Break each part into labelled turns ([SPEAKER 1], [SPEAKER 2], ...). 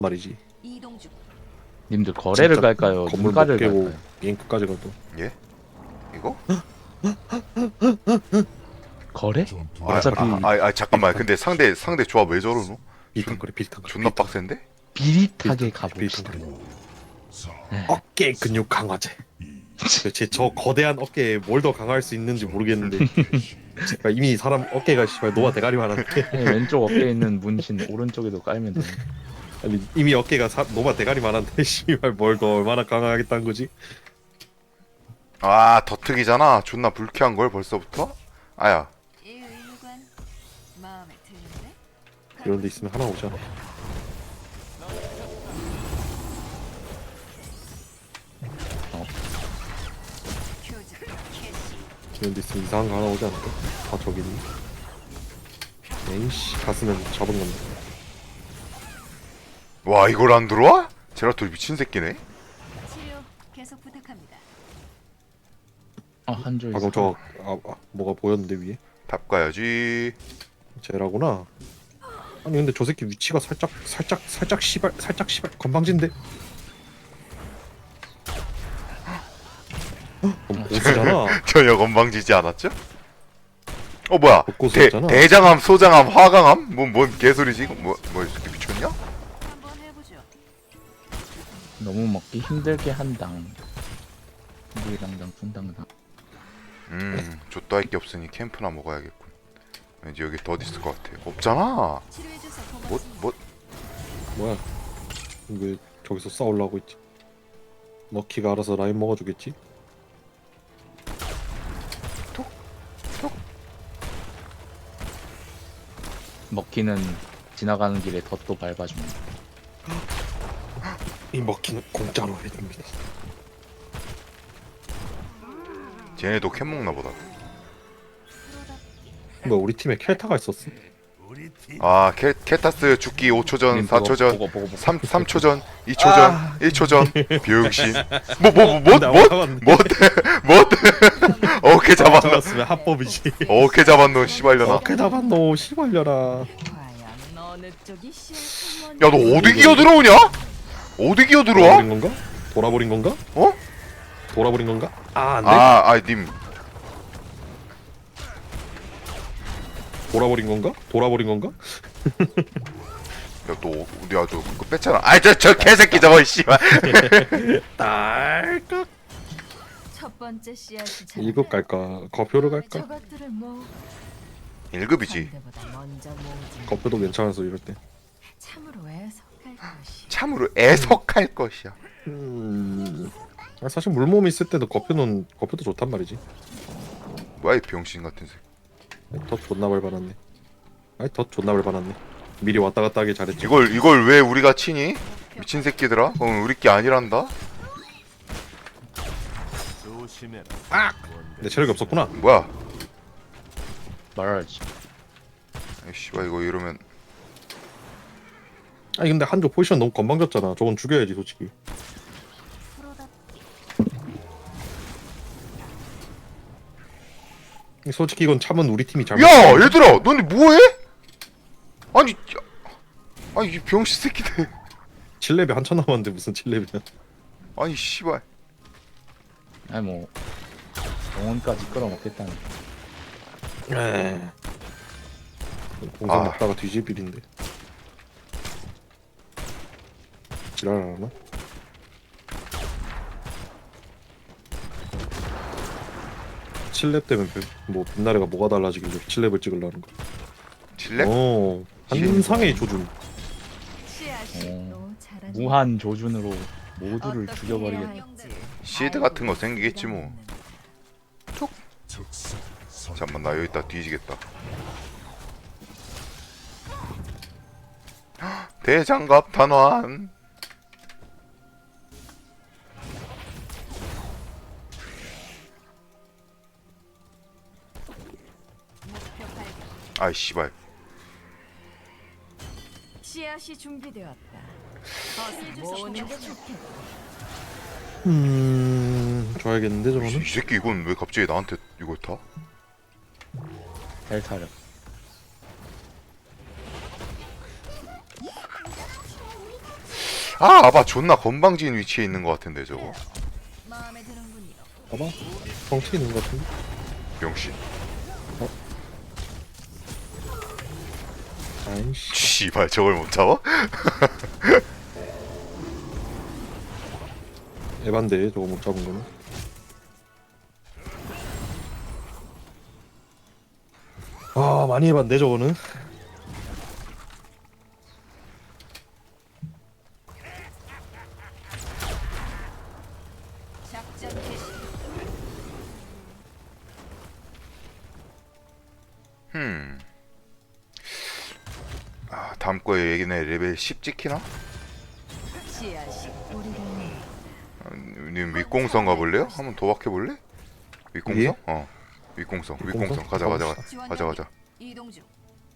[SPEAKER 1] 말이지.
[SPEAKER 2] 이동 중.
[SPEAKER 3] 님들 거래를
[SPEAKER 1] 진짜
[SPEAKER 3] 갈까요?
[SPEAKER 1] 건물 못
[SPEAKER 3] 눈가를
[SPEAKER 1] 깨고
[SPEAKER 3] 갈까요?
[SPEAKER 1] 게임 끝까지 가도.
[SPEAKER 4] 예? 이거?
[SPEAKER 3] 거래?
[SPEAKER 4] 아,
[SPEAKER 3] 어차피
[SPEAKER 4] 잠깐만. 근데 상대 조합 왜 저러노?
[SPEAKER 1] 비슷한거리 비슷한거리.
[SPEAKER 4] 존나 빡센데?
[SPEAKER 3] 비릿하게 가봅시다.
[SPEAKER 1] 어깨 근육 강화제. 도대체 저 거대한 어깨에 뭘 더 강화할 수 있는지 모르겠는데 제가 이미 사람 어깨가 씨발 노아 대가리만 한데
[SPEAKER 3] 아니, 왼쪽 어깨에 있는 문신 오른쪽에도 깔면 돼.
[SPEAKER 1] 아니 이미 어깨가 노아 대가리만 한데 씨발 뭘 더 얼마나 강화하겠다는 거지?
[SPEAKER 4] 아, 더특이잖아. 존나 불쾌한 걸 벌써부터? 아야.
[SPEAKER 2] 이 의무관 마음에 드는데?
[SPEAKER 1] 이런 데 있으면 하나 오잖아.
[SPEAKER 2] 교자 캐시.
[SPEAKER 1] 이런 데 있으면 이상한 거 하나 오지 않을까? 아 저기 있네. 에이씨 갔으면 잡은 건데.
[SPEAKER 4] 와, 이걸 안 들어와? 제라톨 미친 새끼네.
[SPEAKER 2] 치료 계속 부탁합니다.
[SPEAKER 3] 한줄
[SPEAKER 1] 방금 뭐가 보였는데 위에?
[SPEAKER 4] 답 가야지.
[SPEAKER 1] 쟤라구나. 아니 근데 저 새끼 위치가 살짝 시발 건방진데. 보스잖아.
[SPEAKER 4] 전혀 건방지지 않았죠? 뭐야?
[SPEAKER 1] 복고수였잖아.
[SPEAKER 4] 대장암, 소장암, 화강암? 뭔 개소리지? 이거 뭐 이렇게 미쳤냐?
[SPEAKER 2] 한번 해보죠.
[SPEAKER 3] 너무 먹기 힘들게 한당. 무당당 분당당.
[SPEAKER 4] 좆도 할 게 없으니 캠프나 먹어야겠군. 왠지 여기 더 있을 것 같아. 없잖아.
[SPEAKER 2] 치료해줘서 고맙습니다.
[SPEAKER 1] 뭐야? 왜 저기서 싸우려고 있지? 너키가 알아서 라인 먹어주겠지?
[SPEAKER 3] 먹기는 지나가는 길에 덧도 밟아줍니다.
[SPEAKER 1] 이 먹기는 공짜로 해줍니다.
[SPEAKER 4] 쟤네도 캠 먹나 보다.
[SPEAKER 1] 뭐 우리 팀에 켈타가 있었어?
[SPEAKER 4] 아, 케타스 죽기 5초 전,
[SPEAKER 3] 님
[SPEAKER 4] 4초 전,
[SPEAKER 3] 보고.
[SPEAKER 4] 3초 전, 2초 전, 1초 전. 병신. 뭐 어깨 잡았노.
[SPEAKER 1] 잡았으면 합법이지.
[SPEAKER 4] 어깨 잡았노, 씨발려나.
[SPEAKER 1] 어깨 잡았노 시발려라.
[SPEAKER 2] 과연 어느 쪽이 시의
[SPEAKER 4] 야, 너 어디 기어 들어오냐? 어디 기어 들어와?
[SPEAKER 1] 돌아버린 건가? 돌아버린 건가?
[SPEAKER 4] 어?
[SPEAKER 1] 돌아버린 건가? 안돼.
[SPEAKER 4] 님.
[SPEAKER 1] 돌아버린 건가? 돌아버린 건가?
[SPEAKER 4] 야, 너 어디 아주 그거 뺐잖아. 저 개새끼 저거, 씨발.
[SPEAKER 1] 딸깍.
[SPEAKER 2] 첫 번째 씨앗이
[SPEAKER 1] 1급 갈까? 거표를 갈까?
[SPEAKER 2] 저것들을 뭐
[SPEAKER 4] 1급이지.
[SPEAKER 2] 상대보다 먼저 모으지.
[SPEAKER 1] 거표도 괜찮아서 이럴 때.
[SPEAKER 2] 참으로 애석할 것이.
[SPEAKER 4] 참으로 애석할 것이야.
[SPEAKER 1] 사실 물몸 있을 때도 거표도 좋단 말이지.
[SPEAKER 4] 뭐야, 이 병신 같은 새끼.
[SPEAKER 1] 덧 존나 밟아놨네. 덧 존나 밟아놨네. 미리 왔다 갔다 하길 잘했지.
[SPEAKER 4] 이걸 왜 우리가 치니? 미친 새끼들아. 그건 우리 게 아니란다.
[SPEAKER 1] 내 체력이 없었구나.
[SPEAKER 4] 뭐야?
[SPEAKER 3] 말하지.
[SPEAKER 4] 아이, 씨발, 이거 이러면
[SPEAKER 1] 아니 근데 한조 포지션 너무 건방졌잖아. 저건 죽여야지 솔직히. 솔직히 이건 참은 우리 팀이 잘못.
[SPEAKER 4] 야, 얘들아, 너네 뭐해? 아니 이 병신 새끼들.
[SPEAKER 1] 7레벨 한참 남았는데 무슨 7레벨이야.
[SPEAKER 4] 아니, 씨발.
[SPEAKER 3] 아니 뭐 영혼까지 끌어먹겠다는.
[SPEAKER 1] 공성
[SPEAKER 4] 아.
[SPEAKER 1] 먹다가 뒤집일인데. 지랄하나? 칠렙 때문에 뭐 빛나래가 뭐가 달라지길래 7렙을 찍으려는 거.
[SPEAKER 4] 7렙?
[SPEAKER 1] 한상의 조준.
[SPEAKER 2] 씨앗이 너 잘하지.
[SPEAKER 3] 무한 조준으로 모두를 죽여버리겠다.
[SPEAKER 4] 시드 같은 거 생기겠지 뭐. 잠깐만, 나 여기다 뒤지겠다. 대장갑 단환. 아이, 씨발.
[SPEAKER 2] 씨앗이 준비되었다. 어서 모으는 게 좋겠다.
[SPEAKER 1] 줘야겠는데 저거는?
[SPEAKER 4] 이 새끼 이건 왜 갑자기 나한테 이걸 타?
[SPEAKER 3] 델타력.
[SPEAKER 4] 아 아바 존나 건방진 위치에 있는 것 같은데 저거.
[SPEAKER 2] 마음에 드는군요.
[SPEAKER 1] 봐봐. 정치 있는 것 같은데.
[SPEAKER 4] 병신.
[SPEAKER 1] 아이씨.
[SPEAKER 4] 씨발 저걸 못 잡아?
[SPEAKER 1] 에반데 저거 못 잡은 거는. 아 많이 에반데 저거는.
[SPEAKER 2] 작전 개시.
[SPEAKER 4] 아 다음 거에 얘기네 레벨 10 찍히나?
[SPEAKER 2] 씨앗이 우리를
[SPEAKER 4] 님 윗공성 가볼래요? 한번 도박해볼래? 윗공성?
[SPEAKER 1] 예?
[SPEAKER 4] 어 윗공성
[SPEAKER 1] 윗공성?
[SPEAKER 4] 윗공성 가자 가자
[SPEAKER 2] 지원
[SPEAKER 4] 가자 가자.
[SPEAKER 2] 이동 중.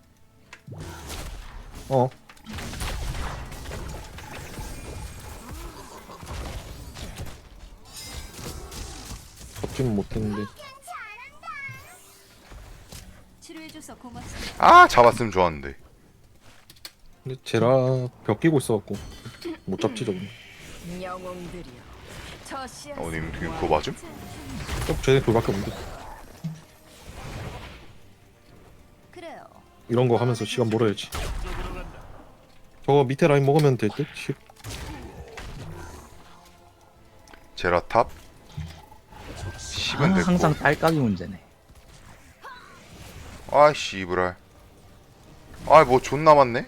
[SPEAKER 1] 어. 잡지는 못했는데.
[SPEAKER 2] 치료해줘서 고맙습니다.
[SPEAKER 4] 아 잡았으면 좋았는데.
[SPEAKER 1] 근데 제라 벽 끼고 있어갖고 못 잡지 저거.
[SPEAKER 2] 영웅들이여. 저 씨앗.
[SPEAKER 4] 님 그거 맞음?
[SPEAKER 1] 쟤네 그밖에 없는데.
[SPEAKER 2] 그래요.
[SPEAKER 1] 이런 거 하면서 시간 몰아야지. 저거 밑에 라인 먹으면 될 듯?
[SPEAKER 4] 제라탑
[SPEAKER 3] 아,
[SPEAKER 4] 10은 됐고.
[SPEAKER 3] 항상 딸깍이 문제네.
[SPEAKER 4] 아이씨 이브랄. 아뭐 존나 많네.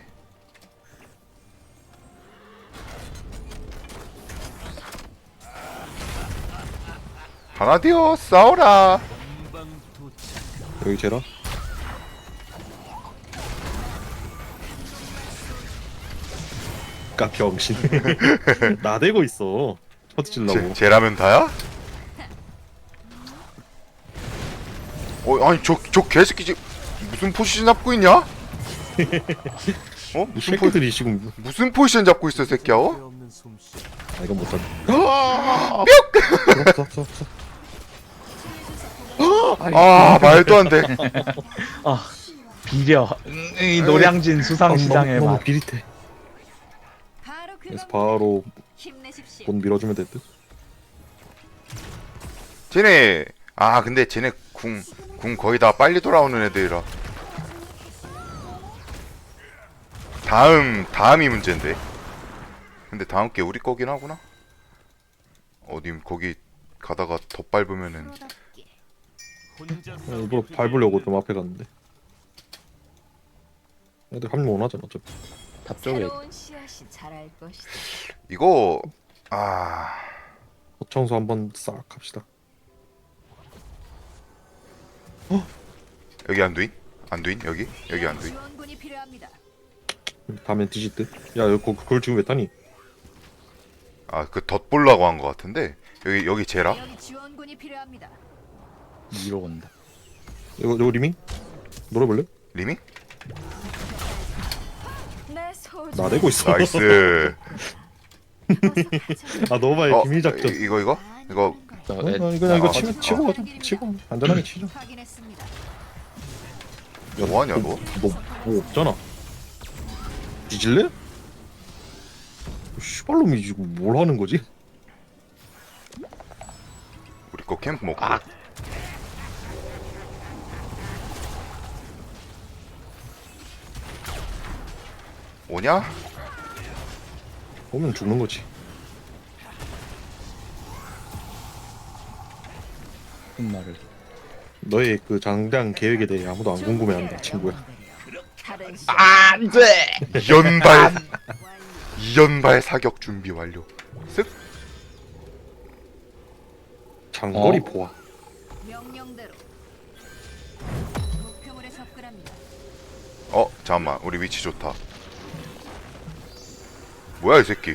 [SPEAKER 4] 하나 되어 싸워라.
[SPEAKER 1] 여기 제라. 까 병신. 나대고 있어. 터뜨리려고.
[SPEAKER 4] 제라면 다야? 아니 저 개새끼 지금 무슨 포지션 잡고 있냐?
[SPEAKER 1] 이 새끼들이 지금
[SPEAKER 4] 무슨 포지션 잡고 있어 새끼야? 어?
[SPEAKER 1] 아 이건 못하네. 없어.
[SPEAKER 4] 아 말도 안 돼.
[SPEAKER 3] 아 비려. 이 노량진 수상시장에
[SPEAKER 1] 너무
[SPEAKER 3] 맛.
[SPEAKER 1] 비릿해.
[SPEAKER 2] 바로
[SPEAKER 1] 그래서
[SPEAKER 2] 그겁니다.
[SPEAKER 1] 바로
[SPEAKER 2] 힘내십시오.
[SPEAKER 1] 돈 밀어주면 될 듯.
[SPEAKER 4] 쟤네 근데 쟤네 궁 거의 다 빨리 돌아오는 애들이라. 다음이 문제인데. 근데 다음 게 우리 거긴 하구나. 어디 거기 가다가 더 밟으면은
[SPEAKER 1] 일부러 밟으려고 좀 앞에 갔는데. 애들 합류 원하잖아 어차피.
[SPEAKER 3] 답 쪽에
[SPEAKER 2] 새로운 씨앗이 자랄 것이다.
[SPEAKER 4] 이거
[SPEAKER 1] 거청소 한번 싹 합시다.
[SPEAKER 4] 여기 안두인? 안두인? 여기 안두인?
[SPEAKER 2] 지원군이 필요합니다.
[SPEAKER 1] 다음엔 뒤질 듯. 야 여기 그걸 지금 왜 타니?
[SPEAKER 4] 그 덧보려고 한 것 같은데 여기 제라?
[SPEAKER 2] 여기 지원군이 필요합니다.
[SPEAKER 3] 위로 온다.
[SPEAKER 1] 이거 리밍? 노래 볼래?
[SPEAKER 4] 리밍?
[SPEAKER 2] 내 소중.
[SPEAKER 1] 나대고 있어.
[SPEAKER 4] 나이스.
[SPEAKER 1] 아 너무 많이 비밀 작전.
[SPEAKER 4] 이거?
[SPEAKER 3] 저
[SPEAKER 1] 그냥 이거
[SPEAKER 4] 아,
[SPEAKER 1] 치고 가자. 치고 안전하게 치죠.
[SPEAKER 2] 확인했습니다.
[SPEAKER 1] 야,
[SPEAKER 4] 뭐하냐, 너?
[SPEAKER 1] 뭐 없잖아. 뒤질래? 슈발놈이 지금 뭘 하는 거지?
[SPEAKER 4] 우리 거 캠프 먹고. 오냐?
[SPEAKER 1] 오면 죽는 거지.
[SPEAKER 3] 무슨 말을.
[SPEAKER 1] 너의 그 장장 계획에 대해 아무도 안 궁금해한다, 친구야.
[SPEAKER 2] 다른 씨
[SPEAKER 3] 안돼.
[SPEAKER 4] 이연발 사격 준비 완료. 쓱.
[SPEAKER 1] 장거리
[SPEAKER 3] 어?
[SPEAKER 1] 포화.
[SPEAKER 2] 명령대로 목표물에 접근합니다.
[SPEAKER 4] 잠깐만. 우리 위치 좋다. 뭐야 이 새끼.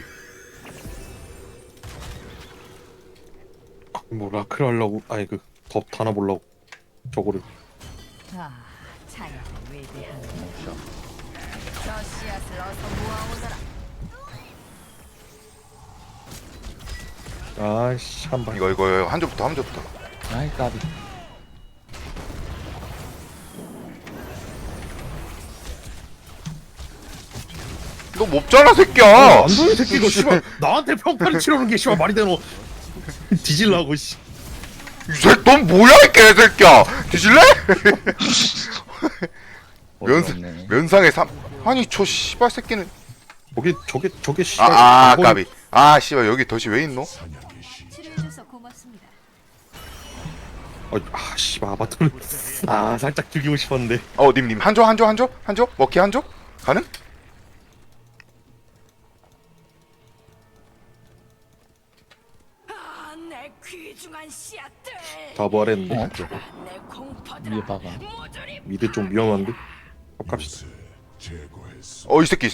[SPEAKER 1] 뭐 라크를 하려고 아니 덥 타나 보려고 저거를.
[SPEAKER 2] 아, 자연을 외대하는 저 씨앗을 어서 모아오너라.
[SPEAKER 1] 아씨 한 방.
[SPEAKER 4] 이거 한 점부터.
[SPEAKER 3] 아이 까비.
[SPEAKER 4] 너 몹잖아 새끼야.
[SPEAKER 1] 안도이 새끼가 씨발 나한테 평타를 치러는 게 씨발 말이 되노? 뒤질라고 씨.
[SPEAKER 4] 넌 뭐야 이 개새끼야. 뒤질래?
[SPEAKER 3] 어이없네.
[SPEAKER 4] 면상의 삼. 아니 저 씨발 새끼는.
[SPEAKER 1] 저게 씨발.
[SPEAKER 4] 까비. 씨발 여기 덫이 왜 있노?
[SPEAKER 2] 치료해줘서 고맙습니다.
[SPEAKER 1] 씨발 아바타를 살짝 죽이고 싶었는데.
[SPEAKER 4] 님 한조 먹기 한조 가능?
[SPEAKER 2] 내 귀중한 씨앗들.
[SPEAKER 1] 다 부활했는데.
[SPEAKER 2] 내 공포들.
[SPEAKER 3] 위에 봐봐.
[SPEAKER 1] 미드 좀 위험한데. 갑시다.
[SPEAKER 4] 이 새끼.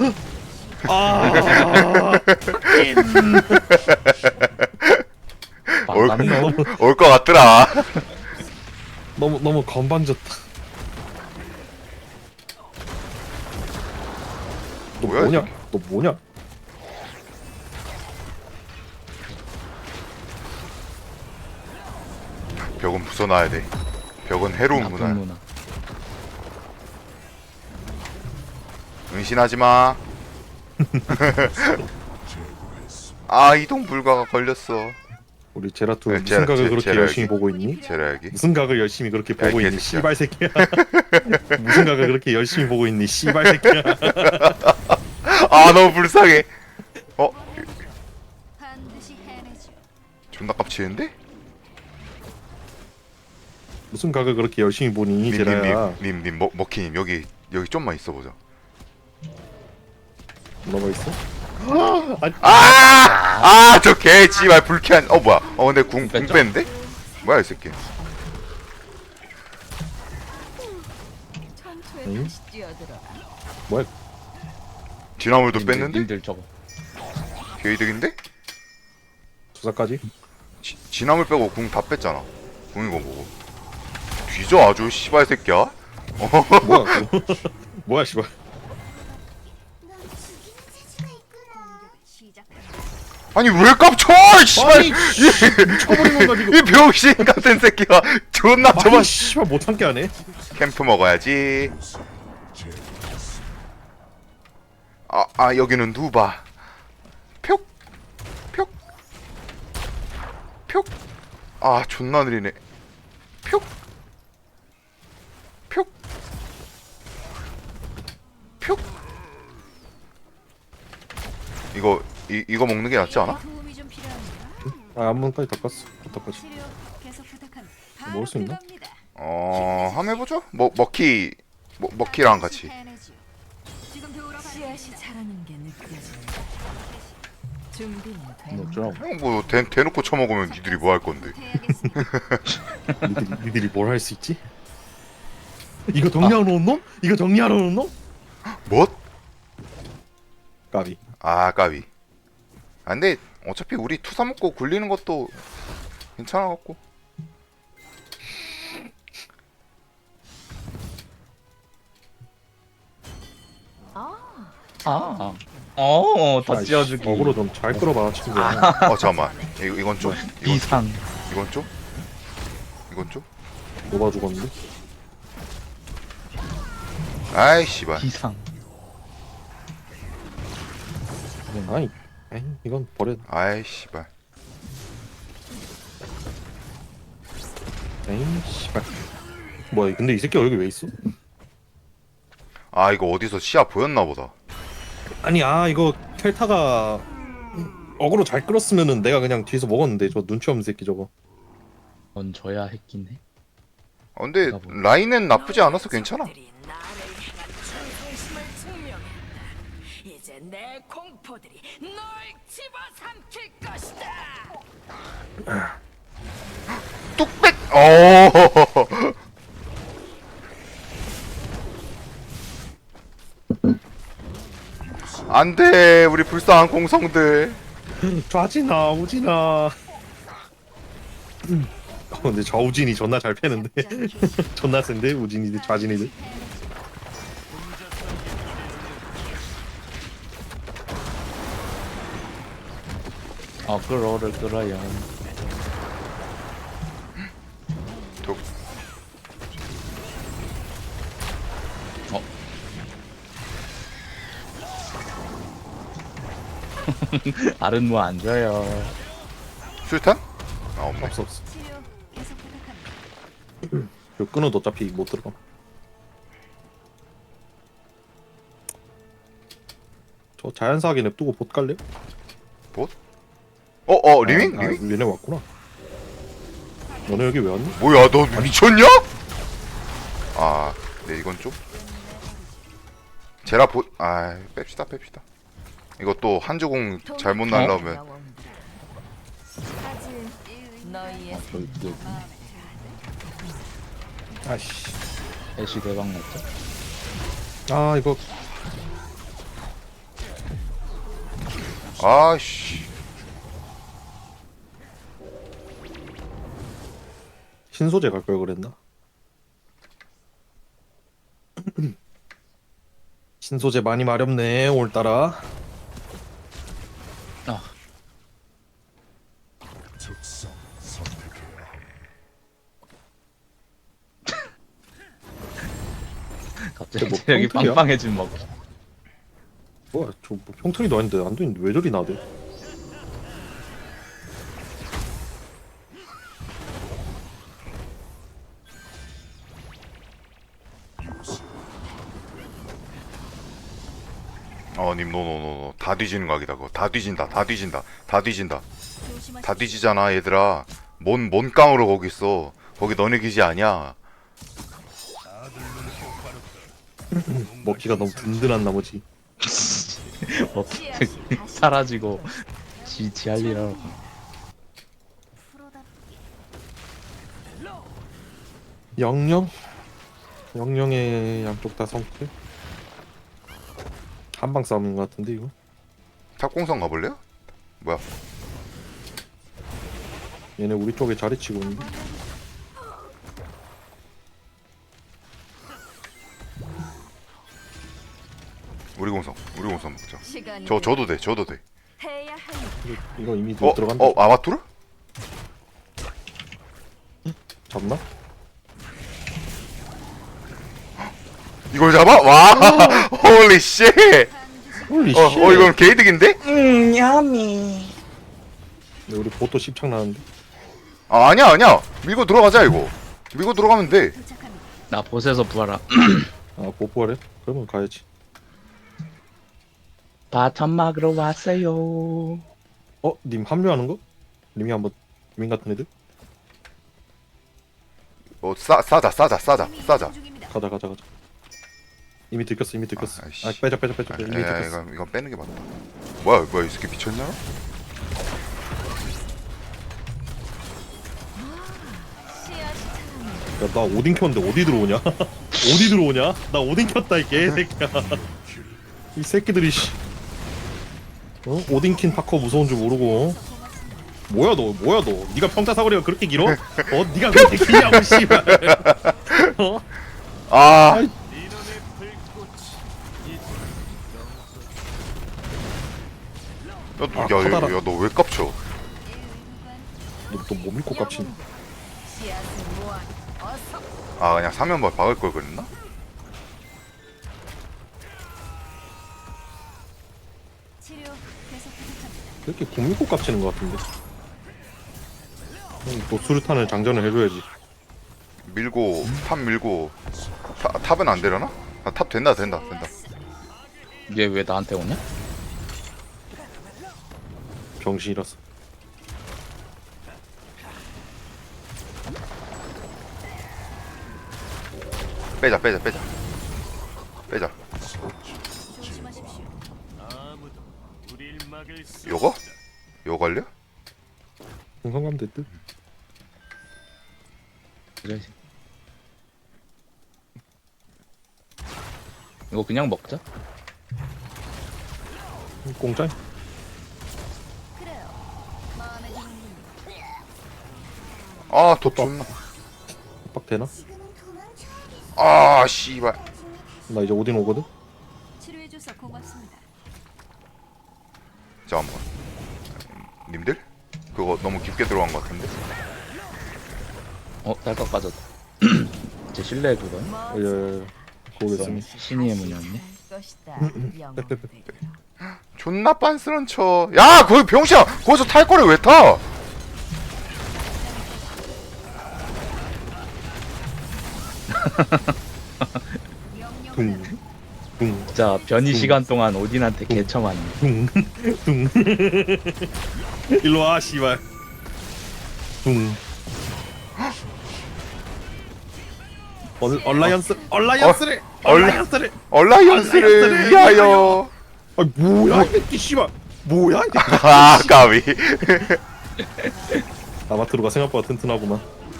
[SPEAKER 3] 망가네.
[SPEAKER 4] 올 것 같더라.
[SPEAKER 1] 너무 건방졌다. 너
[SPEAKER 4] 뭐야,
[SPEAKER 1] 뭐냐? 너 뭐냐?
[SPEAKER 4] 벽은 부숴놔야 돼. 벽은 해로운
[SPEAKER 3] 나쁜
[SPEAKER 4] 문화야.
[SPEAKER 3] 문화.
[SPEAKER 4] 은신하지 마. 이동 불가가 걸렸어.
[SPEAKER 1] 우리 제라투
[SPEAKER 4] 네,
[SPEAKER 1] 무슨 각을 그렇게
[SPEAKER 4] 제라
[SPEAKER 1] 열심히
[SPEAKER 4] 여기.
[SPEAKER 1] 보고 있니?
[SPEAKER 4] 제라 여기.
[SPEAKER 1] 무슨 각을 열심히 그렇게 보고 있니?
[SPEAKER 4] 개새끼야.
[SPEAKER 1] 씨발 새끼야. 무슨 각을 그렇게 열심히 보고 있니? 씨발 새끼야.
[SPEAKER 4] 너무 불쌍해.
[SPEAKER 2] 반드시 해내죠.
[SPEAKER 4] 존나 깝치는데?
[SPEAKER 1] 무슨 각을 그렇게 열심히 보니? 제라야.
[SPEAKER 4] 님, 먹히님 여기 좀만 있어보자.
[SPEAKER 1] 뭐가 있어?
[SPEAKER 4] 저 개지발 불쾌한. 뭐야? 근데 궁 뺐는데? 뭐야 이 새끼?
[SPEAKER 2] 전투에
[SPEAKER 1] 응?
[SPEAKER 2] 다시 뛰어들어.
[SPEAKER 1] 뭐야?
[SPEAKER 4] 진화물도 뺐는데?
[SPEAKER 3] 님들 저거.
[SPEAKER 4] 개이득인데?
[SPEAKER 1] 조사까지?
[SPEAKER 4] 진화물 빼고 궁 다 뺐잖아. 궁 이거 뭐고? 뒤져 아주 씨발 새끼야.
[SPEAKER 1] 뭐야? 그거? 뭐야 씨발?
[SPEAKER 4] 아니 왜 깝쳐? 씨발.
[SPEAKER 1] 미쳐버리는 거 지금.
[SPEAKER 4] 이 병신 같은 새끼가 존나 저만.
[SPEAKER 1] 씨발 못 참게 하네.
[SPEAKER 4] 캠프 먹어야지. 여기는 누바. 표. 존나 느리네. 표. 이거 먹는 게 낫지 않아?
[SPEAKER 2] 도움이 좀 필요합니다.
[SPEAKER 1] 앞문까지 닦았어. 어떡하지?
[SPEAKER 2] 치료 계속 부탁합니다.
[SPEAKER 1] 먹을 수 있나?
[SPEAKER 2] 들어갑니다.
[SPEAKER 4] 한번 해보죠. 먹키랑 같이.
[SPEAKER 2] 해내죠. 지금 배우러 씨앗이 자라는 게 느껴진다. 준비는
[SPEAKER 3] 뭐
[SPEAKER 2] 된.
[SPEAKER 3] 어쩌라고.
[SPEAKER 4] 대놓고 쳐먹으면 니들이 뭐 할 건데?
[SPEAKER 2] 해야겠습니다.
[SPEAKER 1] 니들이 뭘 할 수 있지? 이거 정리하러 온 놈? 이거 정리하러 온 놈?
[SPEAKER 4] 뭐?
[SPEAKER 1] 까비.
[SPEAKER 4] 까비. 근데 어차피 우리 투사 먹고 굴리는 것도 괜찮아갖고.
[SPEAKER 3] 다 찌어주기.
[SPEAKER 1] 어그로 좀 잘 끌어봐 친구야.
[SPEAKER 4] 잠깐만. 이건 좀.
[SPEAKER 3] 이상.
[SPEAKER 4] 이건 좀. 이건 좀.
[SPEAKER 1] 녹아 죽었는데.
[SPEAKER 4] 아이 씨발.
[SPEAKER 3] 이상.
[SPEAKER 1] 아이, 이건 버려.
[SPEAKER 4] 아이 씨발.
[SPEAKER 1] 에이 씨발. 뭐야? 근데 이 새끼 여기 왜 있어?
[SPEAKER 4] 이거 어디서 시야 보였나 보다.
[SPEAKER 1] 아니 이거 켈타가 어그로 잘 끌었으면은 내가 그냥 뒤에서 먹었는데 저 눈치 없는 새끼 저거.
[SPEAKER 3] 넌 져야 했긴 해.
[SPEAKER 4] 근데 라인은 나쁘지 않아서 괜찮아.
[SPEAKER 2] 녀석들이 나를 향한 충성심을 증명했다. 이제 내 공포들이 널 집어삼킬 것이다.
[SPEAKER 4] 뚝백. 안돼 우리 불쌍한 공성들.
[SPEAKER 1] 좌진아 우진아. 근데 좌우진이 존나 잘 패는데. 존나 센데 우진이들 좌진이들.
[SPEAKER 3] 끌어를 끌어요.
[SPEAKER 4] 독.
[SPEAKER 3] 알은 뭐 안 줘요.
[SPEAKER 4] 술탄? 아 없네.
[SPEAKER 1] 없어 없어.
[SPEAKER 2] 치료 계속 부탁합니다.
[SPEAKER 1] 이거 끊어도 어차피 못 들어가. 저 자연사하게 냅두고 봇 갈래?
[SPEAKER 4] 리밍?
[SPEAKER 1] 아,
[SPEAKER 4] 리밍?
[SPEAKER 1] 얘네 왔구나. 너네 여기 왜 왔니?
[SPEAKER 4] 뭐야 너 미쳤냐? 아 네 이건 좀 제라 뺍시다. 이거 또 한주공 잘못 날라오면
[SPEAKER 2] 사실 너희의
[SPEAKER 1] 저기 여기. 아씨.
[SPEAKER 3] 애쉬 대박 났죠?
[SPEAKER 1] 아 이거
[SPEAKER 4] 아씨
[SPEAKER 1] 신소재 갈 걸 그랬나? 신소재 많이 마렵네 오늘따라.
[SPEAKER 3] 아, 갑자기
[SPEAKER 1] 뭐
[SPEAKER 3] 여기
[SPEAKER 1] 펑크야?
[SPEAKER 3] 빵빵해진 먹어.
[SPEAKER 1] 뭐야 저뭐 평턴이도 아닌데 안 되는데 왜 저리 나대?
[SPEAKER 4] 님 노노노노 다 뒤지는 각이다 그거. 다 뒤진다 다 뒤진다 다 뒤지잖아 얘들아. 뭔 깡으로 거기 있어. 거기 너네 기지 아니야.
[SPEAKER 1] 먹기가 너무 든든한 나머지.
[SPEAKER 3] 뭐, 사라지고 지할 일 하라고.
[SPEAKER 1] 영영의 양쪽 다 성패. 한방 싸움인 것 같은데 이거.
[SPEAKER 4] 탑공성 가볼래요? 뭐야
[SPEAKER 1] 얘네 우리 쪽에 자리 치고 있는데.
[SPEAKER 4] 우리 공성 먹자.
[SPEAKER 2] 시간이
[SPEAKER 4] 저도 돼
[SPEAKER 2] 해야 할
[SPEAKER 1] 이거 이미 들어간다.
[SPEAKER 4] 아마투르?
[SPEAKER 1] 잡나?
[SPEAKER 4] 이걸 잡아? 와 홀리 쉣.
[SPEAKER 1] 홀리 씨.
[SPEAKER 4] 이건 개이득인데?
[SPEAKER 3] 야미.
[SPEAKER 1] 우리 보또 씹창 나는데.
[SPEAKER 4] 아니야 밀고 들어가자 이거. 밀고 들어가면 돼.
[SPEAKER 2] 도착합니다.
[SPEAKER 3] 나 보스에서 부활함.
[SPEAKER 1] 아 보포하래? 그러면 가야지.
[SPEAKER 3] 바텀 막으러 왔어요.
[SPEAKER 1] 님 합류하는 거? 님이 한번 민 같은 애들?
[SPEAKER 4] 싸자
[SPEAKER 2] 중입니다.
[SPEAKER 1] 가자. 이미 들켰어.
[SPEAKER 4] 아이씨.
[SPEAKER 1] 아 빼자. 이미
[SPEAKER 4] 야,
[SPEAKER 1] 들켰어.
[SPEAKER 4] 이건 빼는 게 맞다. 뭐야 이 새끼 미쳤냐?
[SPEAKER 2] 씨앗이 자랍니다.
[SPEAKER 1] 야 나 오딘 켰는데 어디 들어오냐? 어디 들어오냐? 나 오딘 켰다 이 개새끼야. 이 새끼들이 씨. 오딘킨 파커 무서운 줄 모르고. 뭐야 너? 네가 평타 사거리가 그렇게 길어? 네가 그렇게 길냐고 씨발.
[SPEAKER 4] 아
[SPEAKER 1] 아이. 커다란-
[SPEAKER 4] 야 너 왜 깝쳐?
[SPEAKER 1] 너또 못 믿고 깝치니?
[SPEAKER 2] 씨앗을 모아 어서
[SPEAKER 4] 그냥 사면발 박을 걸 그랬나?
[SPEAKER 2] 치료 계속 부탁합니다.
[SPEAKER 1] 이렇게 못 믿고 깝치는 것 같은데. 또 수류탄을 장전을 해줘야지.
[SPEAKER 4] 밀고 탑 밀고 탑은 안 되려나? 탑 된다.
[SPEAKER 3] 얘 왜 나한테 오냐?
[SPEAKER 1] 병신이라서.
[SPEAKER 4] 빼자.
[SPEAKER 2] 조심하십시오.
[SPEAKER 4] 요거 갈려?
[SPEAKER 1] 공성감 됐듯.
[SPEAKER 3] 그래. 이거 그냥 먹자.
[SPEAKER 1] 공짜이?
[SPEAKER 2] 그래요. 마음에 드는 분.
[SPEAKER 4] 도 존나.
[SPEAKER 1] 빡 되나?
[SPEAKER 4] 씨발.
[SPEAKER 1] 나 이제 오딘 오거든?
[SPEAKER 2] 치료해줘서 고맙습니다.
[SPEAKER 4] 잠깐만. 님들? 그거 너무 깊게 들어간 것 같은데?
[SPEAKER 3] 딸깍 빠졌다. 제 실내 그거
[SPEAKER 1] 예. 거기 있으니.
[SPEAKER 3] 신의의 문이었네.
[SPEAKER 2] 것이다.
[SPEAKER 1] 빼.
[SPEAKER 2] 영웅들.
[SPEAKER 4] 존나 빤스런 쳐. 야 거기 병신아 거기서 탈 거를 왜 타?
[SPEAKER 1] 둥, 둥,
[SPEAKER 3] 진짜 변이 시간 동안 오딘한테 개처맞네.
[SPEAKER 1] 둥, 둥. 일로 와, 씨발. 둥. 얼라이언스를
[SPEAKER 4] 얼라이언스를
[SPEAKER 1] 얼라이언스를
[SPEAKER 4] 위하여.
[SPEAKER 1] 아 뭐야 이 새끼 씨발 뭐야 이 새끼.
[SPEAKER 4] 아 까비.
[SPEAKER 1] 아마트로가 생각보다 튼튼하구만.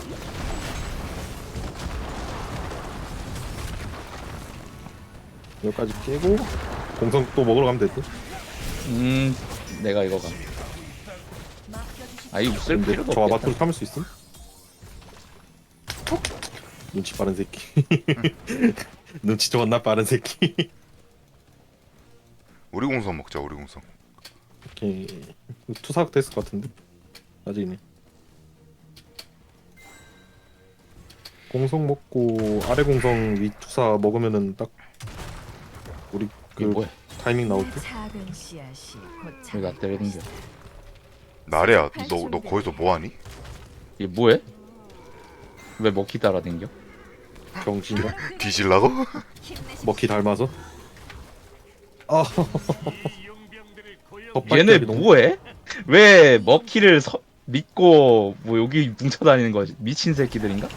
[SPEAKER 1] 여기까지 깨고 공성 또 먹으러 가면 됐지.
[SPEAKER 3] 내가 이거 가. 아 이거 쓸
[SPEAKER 1] 근데
[SPEAKER 3] 필요도
[SPEAKER 1] 저
[SPEAKER 3] 없겠다.
[SPEAKER 1] 아마트로 참을 수 있음? 눈치 빠른 새끼. 눈치 존나 빠른 새끼.
[SPEAKER 4] 우리 공성 먹자 우리 공성.
[SPEAKER 1] 오케이. 투사각 됐을 것 같은데 나중에 공성 먹고 아래 공성 위 투사 먹으면은 딱 우리
[SPEAKER 3] 이게
[SPEAKER 1] 그
[SPEAKER 3] 뭐야?
[SPEAKER 1] 타이밍 나올 때.
[SPEAKER 2] 작은 씨앗이 곧
[SPEAKER 3] 왜 나 때리는 겨?
[SPEAKER 4] 나래야 너 거기서 뭐하니?
[SPEAKER 3] 이게 뭐해? 왜 먹기 따라댕겨?
[SPEAKER 1] 병신가?
[SPEAKER 4] 뒤질라고?
[SPEAKER 1] 먹기 닮아서. 아.
[SPEAKER 3] 얘네 뭐해? 왜 먹기를 믿고 뭐 여기 뭉쳐다니는 거지? 미친 새끼들인가?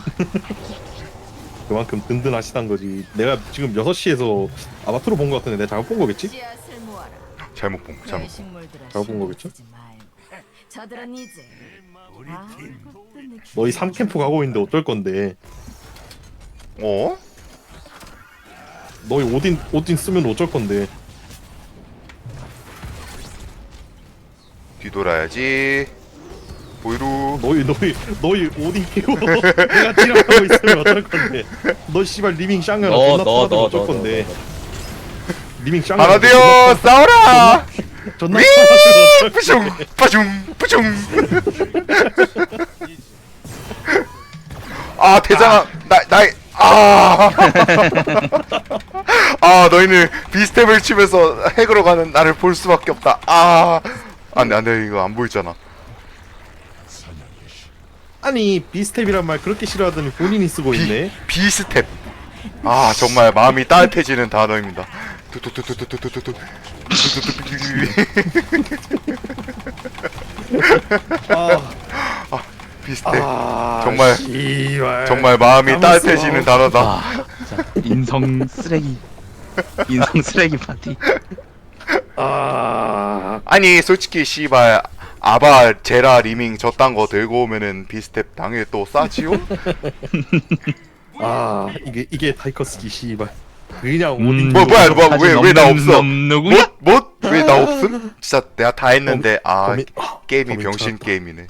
[SPEAKER 1] 그만큼 든든하시단 거지. 내가 지금 6시에서 아마트로 본 거 같은데 내가 잘못 본 거겠지?
[SPEAKER 2] 씨앗을 모아라.
[SPEAKER 4] 잘못 본
[SPEAKER 2] 내 식물들아
[SPEAKER 1] 잘못 본 거겠죠?
[SPEAKER 2] 신경 쓰지 말고. 저들은 이제 아무것도 느끼지
[SPEAKER 1] 너희 3캠프 가고 있는데 어쩔 건데.
[SPEAKER 4] 어?
[SPEAKER 1] 너희 오딘 쓰면 어쩔 건데.
[SPEAKER 4] 뒤돌아야지. 보이루.
[SPEAKER 1] 너희 오딘 끼고 내가 딜하고 있으면 어쩔 건데. 너 씨발 리밍 샹을 존나 타면 어쩔 건데. 리밍 샹을
[SPEAKER 4] 하나 되어 싸워라.
[SPEAKER 1] 존나
[SPEAKER 4] 위!
[SPEAKER 1] 타면 어쩔
[SPEAKER 4] 뿌숑
[SPEAKER 1] 건데.
[SPEAKER 4] 뿌숑 뿌숑. 아 대장아 나이 아. 아 너희는 비스텝을 치면서 핵으로 가는 나를 볼 수밖에 없다. 아 안돼 이거 안 보이잖아.
[SPEAKER 1] 아니 비스텝이란 말 그렇게 싫어하더니 본인이 쓰고 있네.
[SPEAKER 4] 비스텝. 아 정말 마음이 따뜻해지는 단어입니다. 뚜뚜뚜뚜뚜뚜뚜뚜.
[SPEAKER 1] 아,
[SPEAKER 4] 비스텝.
[SPEAKER 1] 아
[SPEAKER 4] 정말
[SPEAKER 1] 씨발.
[SPEAKER 4] 정말 마음이
[SPEAKER 1] 남았어.
[SPEAKER 4] 따뜻해지는 단어다.
[SPEAKER 3] 아 진짜 인성 쓰레기. 인성 쓰레기 파티.
[SPEAKER 1] 아
[SPEAKER 4] 아니 솔직히 씨발 아바 제라 리밍 저딴 거 들고 오면은 비스텝 당일 또 싸지요?
[SPEAKER 1] 아 이게 타이커스기 씨발. 그냥 오딘
[SPEAKER 4] 뭐야 왜 나 없어?
[SPEAKER 3] 누구야?
[SPEAKER 4] 왜 나 없음? 진짜 내가 다 했는데 아
[SPEAKER 1] 범인-
[SPEAKER 4] 게임이
[SPEAKER 1] 범인
[SPEAKER 4] 병신
[SPEAKER 1] 찾았다.
[SPEAKER 4] 게임이네.